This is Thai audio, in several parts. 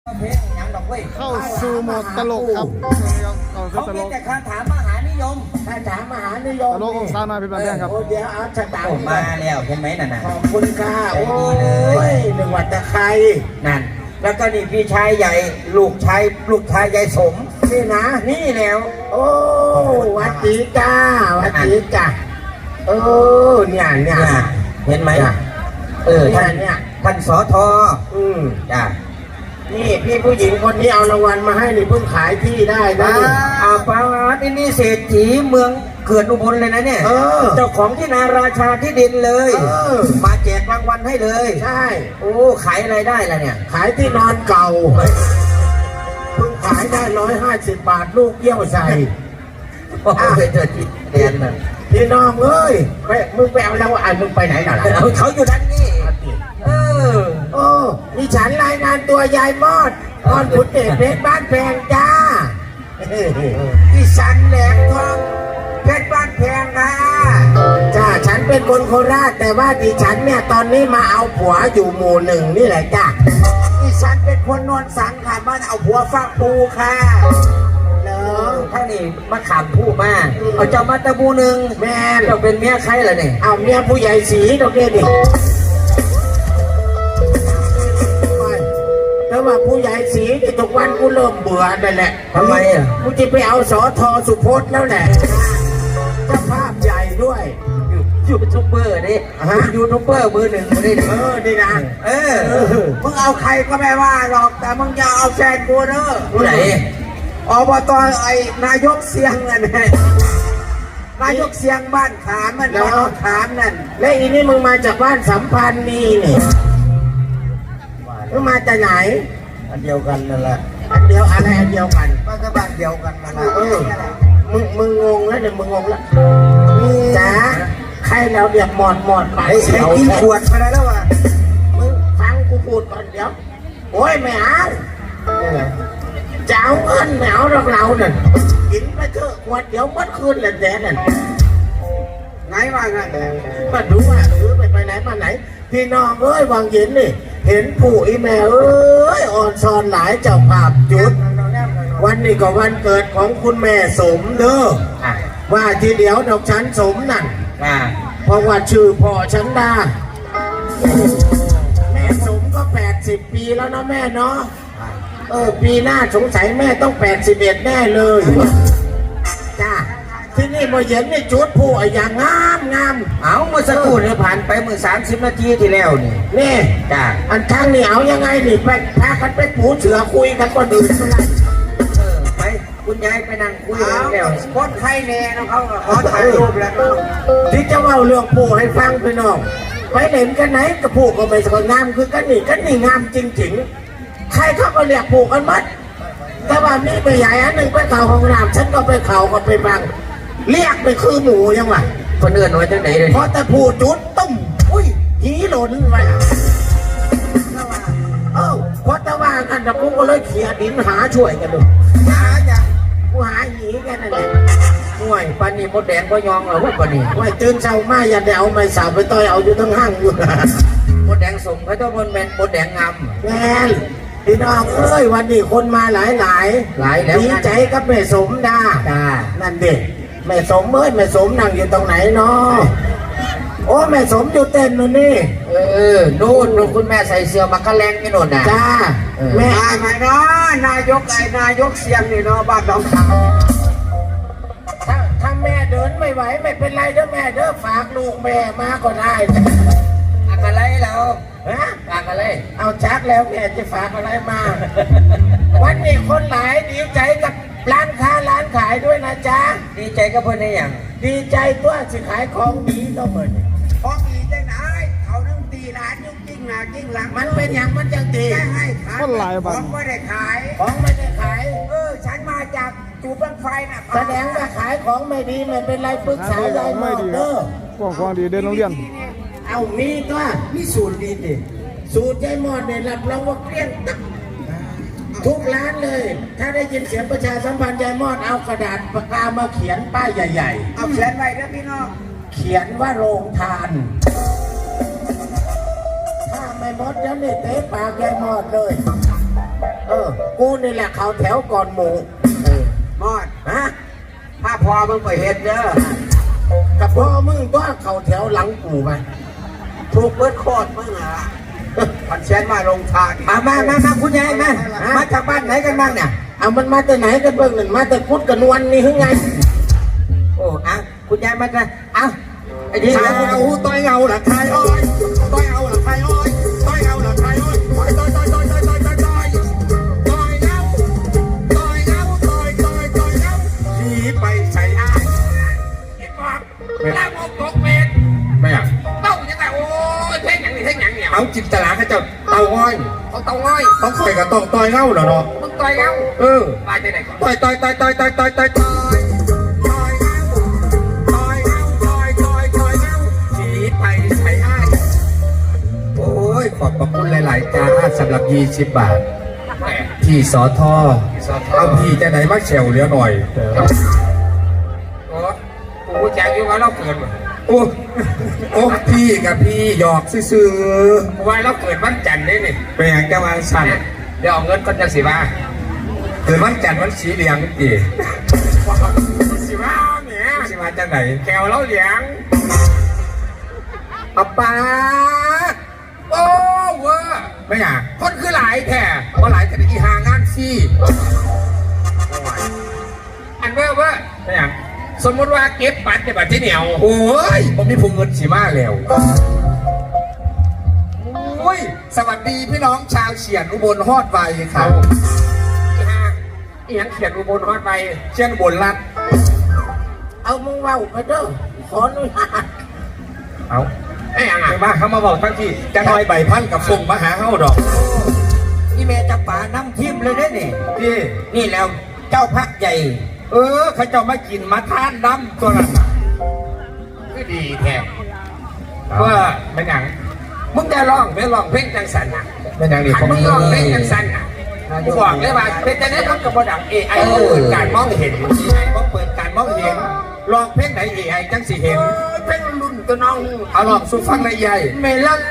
เข้าสู่โหมดตลกครับเขาเป็นแต่คาถามหานิยมคาถามหานิยมตลกของซาหน่อยเป็นแบบนี้ครับเดี๋ยวเอาชะตามาแล้วเห็นไหมนั่นน่ะขอบคุณค่ะโอ้ยหนึ่งวัตะไคร้นั่นแล้วก็นี่พี่ชายใหญ่ลูกชายใหญ่สมนี่นะนี่แล้วโอ้วัดจีจ้าวัดจีจ้าเนี่ยเห็นไหมท่านสทจ้านี่พี่ผู้หญิงคนนี้เอารางวัลมาให้นี่เพิ่งขายที่ได้นะปาร์ตี้นี่เศรษฐีเมืองเขื่อนอุบลเลยนะเนี่ยเจ้าของที่นาราชาที่ดินเลยมาแจกรางวัลให้เลยใช่โอ้ขายอะไรได้ล่ะเนี่ยขายที่นอนเก่าเพิ่งขายได้150 บาทลูกเยี่ยวใส่ไปเจอที่เรียนน่ะพี่น้องเอ้ยมึงไปเอาแล้วมึงไปไหนหน่อยเขาอยู่ด้านนี้ดิฉันรายงานตัวยายมอดตอนขุนเดชเพชรบ้านแพงจ้าดิฉันแหลมทองเพชรบ้านแพงค่ะจ้าฉันเป็นคนโคราชแต่ว่าดิฉันเนี่ยตอนนี้มาเอาผัวอยู่หมู่1นี่แหละจ้าดิฉันเป็นคนนวลสังค่ะมาเอาผัวฟักปูค่ะท่านนี่มาขามผู้มาเอาเจ้ามาตะบูนึงแม่เราเป็นเมียใครล่ะเนี่ยเอาเมียผู้ใหญ่สีตรงนี้ดิแล้วว่าผู้ใหญ่สีที่ทุกวันกูเริ่มเบื่อนั่นแหละทำไมกูจะไปเอาสอทอสุพจน์แล้วแหละเจ้าภาพใหญ่ด้วยยูทูบเบอร์ดิยูทูบเบอร์มือ1ดิดีนะมึงเอาใครก็ไม่ว่าหรอกแต่มึงอย่าเอาแฟนกูเนอะผู้ไหนอบต.ไอ้นายกเสียงนั่นไงนายกเสียงบ้านขามมันบ้านขามนั่นและอีนี่มึงมาจากบ้านสัมพันธ์นี่มึงมาจากไหนอันเดียวกันนั่นแหละอันเดียวอะไรอันเดียวกันก็บ้านเดียวกันนั่นแหละมึงงงแล้วเดี๋ยวมึงงงแล้วจ้าใครเราเดี๋ยวหมดไปกินขวดไปแล้ววะมึงฟังกูพูดก่อนเดี๋ยวโอ้ยไม่เอาเจ้าเงินแมวเราเนี่ยกินไปเถอะขวดเดี๋ยวมัดคืนเลยแดนนั่นไงว่าไงมาดูว่าหรือไปไหนมาไหนพี่น้องเอ้ยวางเย็นนี่เห็นผู้อีแม่เอ้ยอ่อนซอนหลายเจ้าภาพจุดวันนี้ก็วันเกิดของคุณแม่สมเด้อว่าทีเดียวดอกฉันสมนั่นเพราะว่าชื่อพ่อฉันได้แม่สมก็80 ปีแล้วนะแม่เนาะปีหน้าสงสัยแม่ต้อง81แน่เลยจ้าที่นี่มาเย็นนี่จุดผู้อย่างงามเอาเมื่อสักครู่เนี่ยผ่านไปเมื่อ30 นาทีที่แล้วนี่จ้าอันข้างนี่เอายังไงนี่ไปพากันไปปูเสือคุยกันก็ดื่มอะไรไปคุณยายไปนั่งคุยกันแล้วคนไทยแน่นะเขาขอถ่ายรูปแล้วที่จะเล่าเรื่องผู้ให้ฟังไปน้องไปเห็นกันไหนกับผู้ก็ไม่สวยงามคือกันนี่งามจริงๆใครเขาก็เรียกผู้กันมัดแต่ว่ามีไปใหญ่อันหนึ่งไปเข่าของน้ำฉันก็ไปเข่าก็ไปบังเรียกไปคือหมูยังไงคนอื่นไว้จังไหนเลยพอแต่ผู้จุดตุ้มอุ้ยหีหล่นไปเพราะแต่ว่ากันแต่กูก็เลยเขี่ยดินหาช่วยกันดูหาจ้ะกูหาหีกันนั่นแหละห่วยปานีมดแดงก็ยองเหรอวะปานีห่วยตื่นเช้ามาอย่าเดาไม่สาวไปต่อยเอาอยู่ทั้งห้างอยู่มดแดงสมเขาต้องมดแดงงามแม่พี่น้องเอ้ยวันนี้คนมาหลายแล้วดีใจกับแม่สมดานั่นเด็กแม่สมแม่สมนั่งอยู่ตรงไหนเนาะโอ้แม่สมอยู่เต้นนู่นนี่นู่นคุณแม่ใส่เสื้อมักกะแรงนี่นู่นนะจ้าแม่ไหนเนาะนายกเสียงนี่เนาะบ้านน้องเขาถ้าแม่เดินไม่ไหวไม่เป็นไรเด้อแม่เด้อฝากลูกแม่มาก็ได้อะไรแล้วฝากอะไรเอาชักแล้วแม่จะฝากอะไรมาวันนี้คนหลายดีใจกับร้านค้าร้านขายด้วยนะจ๊ะดีใจกับเพื่อนได้อย่างดีใจตัวสิขายของดีก็เหมือนของดีจังไหนเขาต้องตีร้านยุ่งจริงหนาจริงหลังมันเป็นอย่างมันจังตีให้ขายของไม่ได้ขายฉันมาจากจูบังไฟนะแสดงว่าขายของไม่ดีไม่เป็นไรปรึกษายายหมอเด้อของดีเดินโรงเรียนเอามีตัวมีสูตรดีดิสูตรยายหมอเนี่ยรับรองว่าเกลี้ยงตักทุกร้านเลยถ้าได้ยินเสียงประชาสัมพันธ์ยายมอดเอากระดาษปากกามาเขียนป้ายใหญ่ๆเอาเขียนไว้นะพี่น้องเขียนว่าโรงทานถ้าไม่หมดแล้วนี่เตะปากยายมอดเลยกูนี่แหละเขาแถวก่อนหมูมอดฮะถ้าพอมึงไปเห็ดเด้อกับพ่อมึงก็เขาแถวหลังกูไปถูกเบิดโคตรมึงอ่ะมันเชียนมาลงทางมาคุณยายมาจากบ้านไหนกันบ้างเนี่ยเอามันมาแต่ไหนกันเบิ่งหนึ่งมาแต่พุทธกันวันนี่หรือไงโอ้อ่ะคุณยายมากันเอาไอ้ดีทายเอาต้อยเงาหลักทายอ้อยต้อยเอาหลักทายอ้อยต้อยเอาหลักทายอ้อยต้อยเงาต้อยเงาผีไปใส่อ้ายเห็นป่ะแล้วมองตกเม็ดไม่อ่ะเต้ายังไงโอ้ยเท่งอย่างนี้เท่งอย่างเนี่ยเอาจิตตลาดเขาจะเต้าอ้อยเขาเต้าอ้อยต้องคอยกับต้องต้อยเงาเหรอเนาะมึงต้อยเงาตายที่ไหนก่อนต้อยผีไปใส่อ้ายโอ้ยขอบพระคุณหลายๆจ้าสำหรับ20 บาทพี่สอทอเอาพี่จะไหนมาเฉวเหลือหน่อยกูแจ้งอยู่ว่าเราเกิดโอ้พี่กับพี่หยอกซื่อๆว่าเราเกิดวันจันทร์ได้นี่เป็นอย่างจะมาสั่นเดี๋ยวเอาเงินก็จะสิบ้าเกิดวันจันทร์วันสีเหลืองอีสิบ้าเนี่ยสิบ้าจังไหนแขวเราเหลืองป้าโอ้เว้อไม่อยากคนคือหลายแท้ว่าหลายแต่อีหางานซี่อันเว้อไม่อยากสมมติว่าเก็บปัดในบัตรที่เหนียวโอ้ยผมมีพุงเงินสีมาแล้วโอ้ยสวัสดีพี่น้องชาวเฉียนอุบลฮอดไวครับอีหยังเขียนอุบลฮอดไวเชียนอุบลรัดเอามึงเว้าไปเด้อขออนุญาตเอาไอ้ยังไงบ้าเขามาบอกทั้งที่จะน้อยใบพันกับฟงมาหาเขาดอกนี่แม่จะป่าน้ำทิมเลยได้เนี่ย นี่แล้วเจ้าพักใหญ่เขาจะมากินมาทานน้ำตัวนั้นก็ดีแท้ว่าเป็นอย่างมึงจะร้องไม่ร้องเพลงจังสันอ่ะเป็นอย่างดีมึงร้องเพลงจังสันอ่ะกูบอกเลยว่าเป็นจะได้รับกับบดัง AI เปิดการมองเห็น AI ก็เปิดการมองเห็นลองเพลงไหน AI จังสิเห็นเพลงรุ่นตัวน้องเอาลองสู้ฟังในใหญ่เมลัน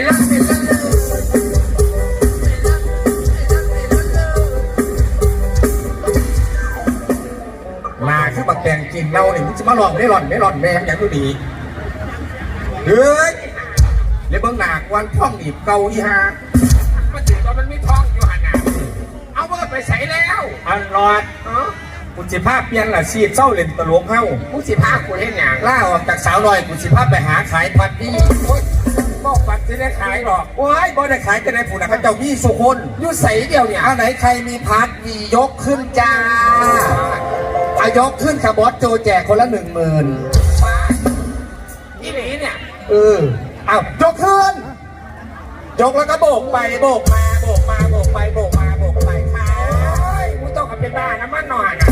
มาคือบักแดงกินเราเนี่ยมึงจะมาหลอกไม่หล่อนแม่อย่างดูดีเฮ้ยเดี๋ยวเบิ้งหนักวันท่องหนีบเกาอีฮามาถึงตอนมันไม่ท่องอยู่หันน่ะเอาเบอร์ไปใส่แล้วอันรอดกูสิภาพเปลี่ยนละชีพเศร้าเล่นตลกเฮ้ากูสิภาพกูเล่นอย่างล่าออกจากสาวลอยกูสิภาพไปหาขายพัดดี้บอกปัดจะได้ขายหรอกว้ายบ่ได้ขายจะได้ผู้นะพระเจ้ามีสุคนยุ่ใส่เดียวเนี่ยเอาไหนใครมีพัดมียกขึ้นจ้ายกขึ้นค่ะบอสโจแจกคนละ10,000นี่หนีเนี่ยเอายกขึ้นยกแล้วก็โบกไปโบกมาโบกไปค่ะกูต้องกับเป็นบ้านะมันหน่อยนะ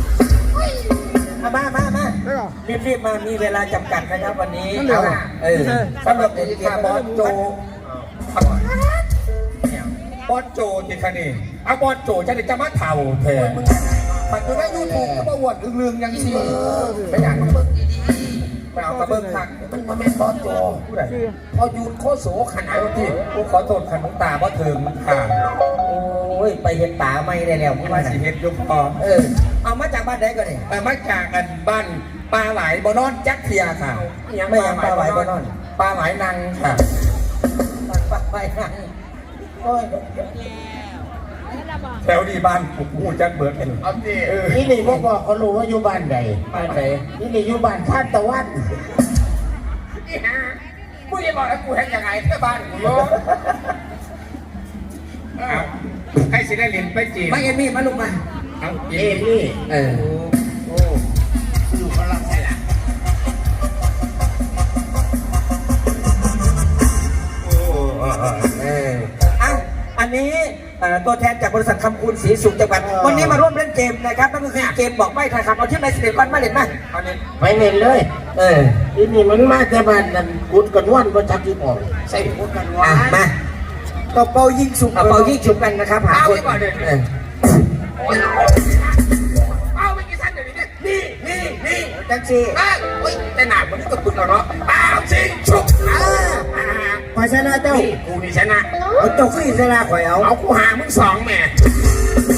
มารีบมามีเวลาจำกัดนะครับวันนี้สำหรับเด็กบอสโจที่คันนี้เอาบอสโจจะมาเถ่าแทนปัจจุบันยูทูบก็มาอวดลึงๆยังชีไม่อยากมาเบิ้งดีๆไปเอากระเบิ้งขัดมันมาเป็นบอสโจผู้ใดพอยูนโคโสขนาดที่กูขอโทษขันน้องตาเพราะเถิงมันขาดโอ้ยไปเห็นตาไม่ได้แล้วมึงมาสิเห็นยุบพอเอามาจากบ้านไหนกันเนี่ยมาจากอันบ้านปลาไหลบอนอนจักเทียค่ะไม่ยังปลาไหลบอนอนปลาไหลนังค่ะปลาไหลนังแถวดีบ้านผมหูจักเบิร์ดเอาสินี่นี่บอกเขารู้ว่าอยู่บ้านใดนี่อยู่บ้านชาติตะวันนี่ฮะกูจะบอกแล้วกูเห็นยังไงที่บ้านกูโยให้สิได้เรียนไปจีนไม่เอ็มมี่มาลูกมาเอ็มมี่อยู่พลังใช่หรออันนี้ตัวแทนจากบริษัทคำคูณศรีสุขจังหวัดวันนี้มาร่วมเล่นเกมนะครับนั่นก็คือเกมบอกใบ้ทายคำเอาที่ไหนสิเด็กวันมาเล่นไหมไปเล่นเลยทีนี้มันมาแต่บ้านนั่นกุดกันวันประจักษ์ที่บอกใส่กุดกันวันมาก็เป่ายิงฉุบกันนะครับหาคนเอาไปกี่ชั้นเดี๋ยวนี้นี่จังซีแต่หนามันก็ปึกแล้วเนาะเป่ายิงฉุบขอชนะเจ้ากูนี่ชนะเอาเจ้าขึ้นชนะข่อยเอากูหามึง2แม่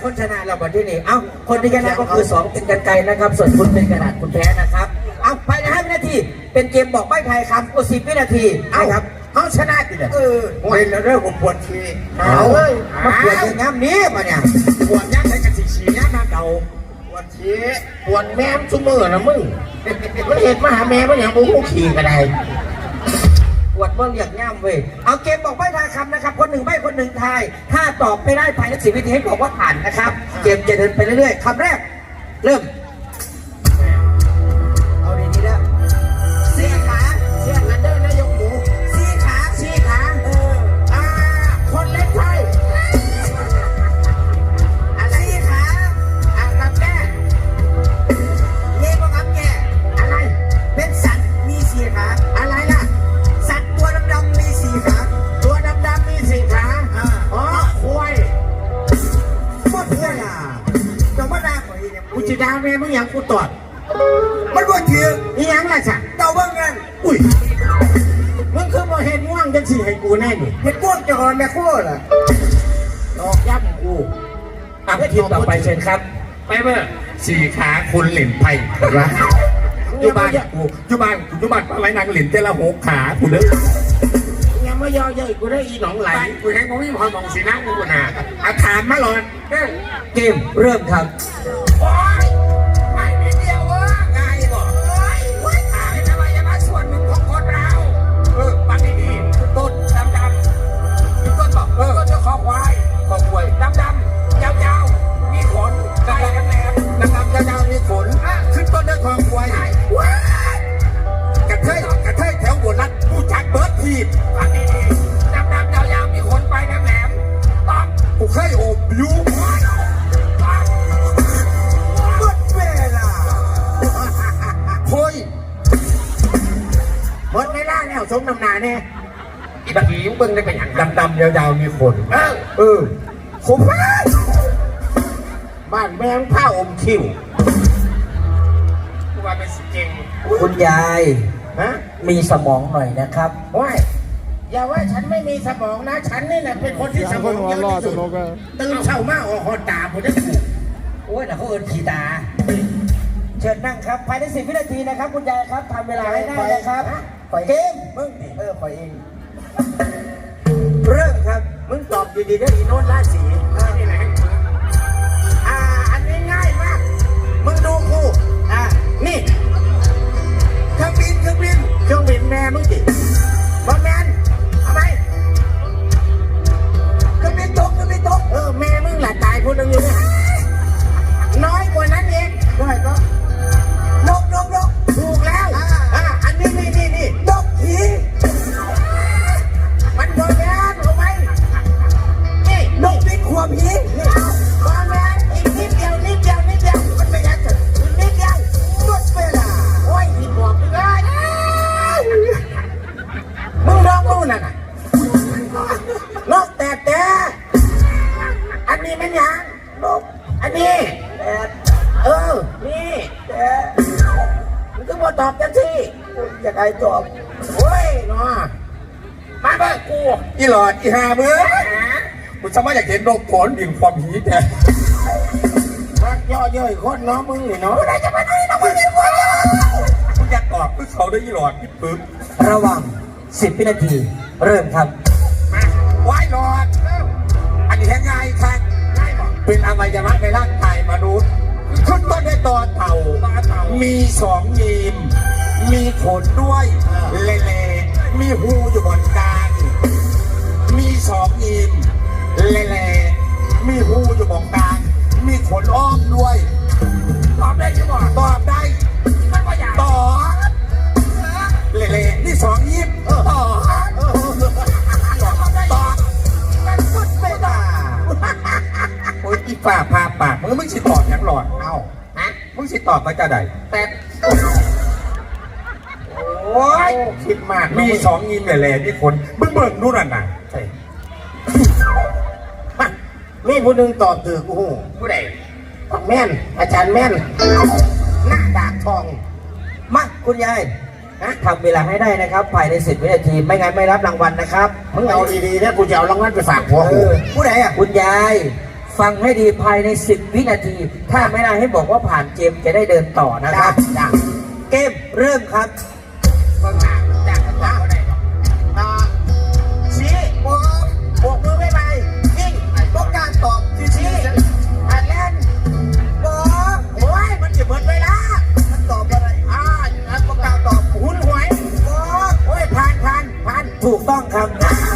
คนชนะเราบอลที่นี่เอ้าคนที่ชนะก็คือ2เป็นกันไกลนะครับส่วนคุณเป็นกระดาษคุณแพ้นะครับเอาภายใน5 วินาทีเป็นเกมบอกใบ้ทายคำก็10 วินาทีนะครับเขาชนะติดเลยโอ้ยแล้วเรื่องผมปวดทีเอามาปวดอย่างนี้นี้มาเนี่ยปวดยักษ์ใส่กระสีฉียักษ์หน้าเก่าปวดเชี่ยปวดแม่มชุ่มมือนะมึงมันเห็นมาหาแม่มันอย่างบุ้งขี่กันได้ปวดเมื่อเรียกง่ามเว้ยเอาเกมบอกใบ้ทายคำนะครับคนหนึ่งใบ้คนหนึ่งทายถ้าตอบไม่ได้ภายใน10 วินาทีให้บอกว่าผ่านนะครับเกมจะเดินไปเรื่อยๆคำแรกเริ่มเอาดีๆแล้วเสียขาเสียกันเดินนายกหมูสี่ขาคนเล็กไทยอะไรขากับแก่เลี้ยงกับแก่อะไรเป็นสัตว์มีสี่ขาอะไรล่ะสัตว์ตัวดำๆมีสี่ขาตัวดำๆมีสี่ขาอ๋อควายหมดเลยอ่ะจะมาด่าข่อยเนี่ยกูจะด่าแม่มึงอย่างกูตอดมันบ่ถือนี่ยังล่ะจ้ะเจ้าเบิ่งกันอุ้ยมึงคือบ่เห็นง่วงจังสิให้กูแน่นี่เห็นพวกเจ้าของแม่โคตรอ่ะดอกย่ำกูทีมต่อไปเชิญครับไปเมื่อสี่ขาคุณเหล่นไผ่รักอยู่บ้านกูอยู่บ้านอะไรนางเหล่นเตละ6 ขากูเด้อยังไม่ย่อเย้ยกูได้อีหนองไหลกูเห็นผมมีความมองสีน้ำกูน่ะอาถามมาหลอนเกมเริ่มครับโอ๊ยไม่มีเดียวง่ายบ่โอ๊ยขายทำไมจะมาส่วนหนึ่งของคนเราปันนี่ต้นดำต้นบอกต้นจะคอควายดำยาวมีขนใบแหลมยาวมีขนขึ้นต้นด้วยคอควายกระเทยแถวโบราณผู้จักเบิร์ดทีบปันนี่ดำยาวมีขนใบแหลมต้องกูเคยโอบยูหมดเวลาแล้วสมน้ำหนาแน่อีบักหิวเบิ้งได้เป็นอย่างดำยาวมีขนผมบ้านแมงผ้าอมคิวกูว่าเป็นสิเก่งคุณยายฮะมีสมองหน่อยนะครับว้ายอย่าว่าฉันไม่มีสมองนะ ฉันนี่แหละเป็นคนที่สมองเยอะที่สุดตื่นเช้ามาออกหอตาผมได้ถูกโอ้ยแต่เขาเอินขี่ตา เชิญนั่งครับภายใน10 วินาทีนะครับคุณยายครับทำเวลาให้ได้นะครับเกมมึงปล่อยเองเริ่มครับมึงตอบดีๆได้อีโนนราศีนี่แหละอันนี้ง่ายมาก มึงดูกูนี่เครื่องบินแม่มึงจิบอลแมนทำไมเครื่องบินตกแม่มึงหละตายคนหนึ่งอยู่เนี่ยน้อยกว่านั้นเองได้ก็นกถูกแล้วอันนี้นกผีมันบอลแมนเอาไปนี่นกเป็นขวบผีนี่บอลแมนอีกนิดเดียวมันไม่ยัดนิดเดียวหมดเวลาโอ้ยที่บอกมึงเลยมึงลองดูน่ะนกแต่อันนี้มันยังนกอันนี้นี่มันก็มาตอบกันสิอยากให้ตอบโอ้ยเนาะมาเบิกกูอีหลอดอีหามือกูสามารถอยากเห็นนกผลดินความหีแต่รักย่อเย้ยคนเนาะมึงนี่เนาะได้จะมาไหนเนาะมึงนี่วะกูอยากตอบคือเขาได้อีหลอดอีปึ๊บระหว่าง10 วินาทีเริ่มครับมาไหว้หลอดอันนี้ง่ายครับเป็นอวัยวะในร่างกายมนุษย์ขึ้นต้นด้วยตอเต่ามี2 ยีมมีขนด้วยเละๆมีหูอยู่บนกลางมี2 ยีมเละๆมีหูอยู่บนกลางมีขนอ้อมด้วยตอบได้ใช่ไหมตอบได้ตอบเละๆนี่2 ยีมตอบมันพูดไม่ได้โอ้ยอีฝ่าพาปากมึงสิตอบอย่างหลอดเอ้ามึงสิตอบมาจะได้แต่โอ้ยคิดมากมี2 ยีมแหล่ๆนี่คนมึงเบิ่งดูนั่นน่ะมีผู้หนึ่งตอบถือกูผู้ใดแม่นอาจารย์แม่นหน้าดาบทองมาคุณยายทำเวลาให้ได้นะครับภายใน10 วินาทีไม่งั้นไม่รับรางวัลนะครับมึงเอาดีๆนะกูจะเอารางวัลไปฝากผัวกูผู้ใดอ่ะคุณยายฟังให้ดีภายใน 10 วินาที ถ้าไม่ได้ให้บอกว่าผ่านเกมจะได้เดินต่อนะครับ เกมเริ่มครับก็หนักจากกันต่อได้ชี้โบกมือไม่ไปยิ่งต้องการตอบชี้อันแรกบอกโอ้ยมันจะเหมือนเวลามันตอบอะไรอันต้องการตอบหุ่นหวยบอกโอ้ยผ่านถูกต้องครับ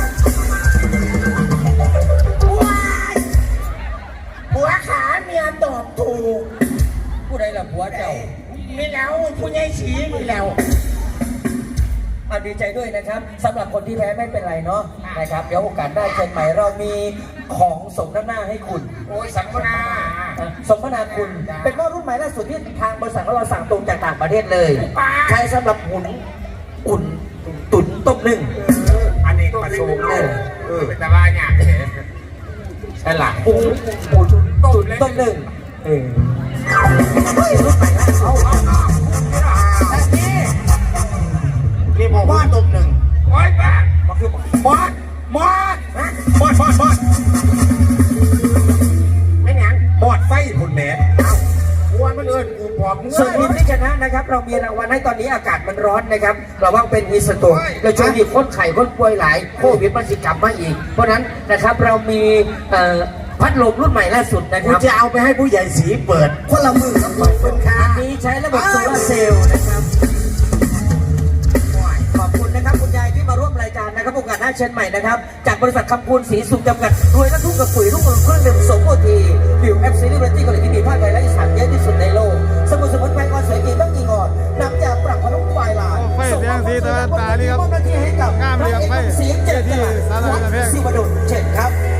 ผัวขาเมียตอบถูกผู้ใดล่ะผัวเจ้ามีแล้วผู้ใหญ่ชี้มีแล้วเอาดีใจด้วยนะครับสำหรับคนที่แพ้ไม่เป็นไรเนาะนะครับเดี๋ยวโอกาสได้เชิญใหม่เรามีของสมน้ำหน้าให้คุณโอ้ยสัมมนาสมนาคุณเป็นหม้อรุ่นใหม่ล่าสุดที่ทางบริษัทของเราสั่งตรงจากต่างประเทศเลยใช้สำหรับอุ่นตุ๋นต้มนึ่งอันนี้ประชุมเป็นตะวันเนี่ยใช่หลักตุ๋นต้มนึ่งรุ่นใหม่ล่าสุดนี่บอกว่าตุ่มหนึ่งโอ้ยบ้ามันคือบอสไม่หยังบอสไฟคุณแม่อ้วนมันเอิญกูบอกมึงส่วนทีมที่ชนะนะครับเรามีรางวัลให้ตอนนี้อากาศมันร้อนนะครับเราว่าเป็นมีสโตนเราช่วยมีคนไข้คนป่วยหลายโควิดมันสิกลับมาอีกเพราะฉะนั้นนะครับเรามีพัดลมรุ่นใหม่ล่าสุดนะคกูรับจะเอาไปให้ผู้ใหญ่สีเปิดคนละมือกับคนค้าอันนี้ใช้ระบบโซลาร์เซลล์นะครับขอบคุณนะครับคุณยายที่มาร่วมรายการนะครับโอกาสหน้าเชิญใหม่นะครับจากบริษัทคำพูนสีสุขจำกัดรวยและทุ่งกับปุ๋ยรุ่งเรืองเครื่องดื่มสมโอทีบิวแอปซีรีส์เรตติ้งเกาหลีที่มีภาคไทยและอีสานเยอะที่สุดในโลกสมุนไพรก่อนสวยจริงต้องกินก่อนน้ำจากปรับพนุ่มควายลายเสียงเจ็ดสิบดลเช่นครับ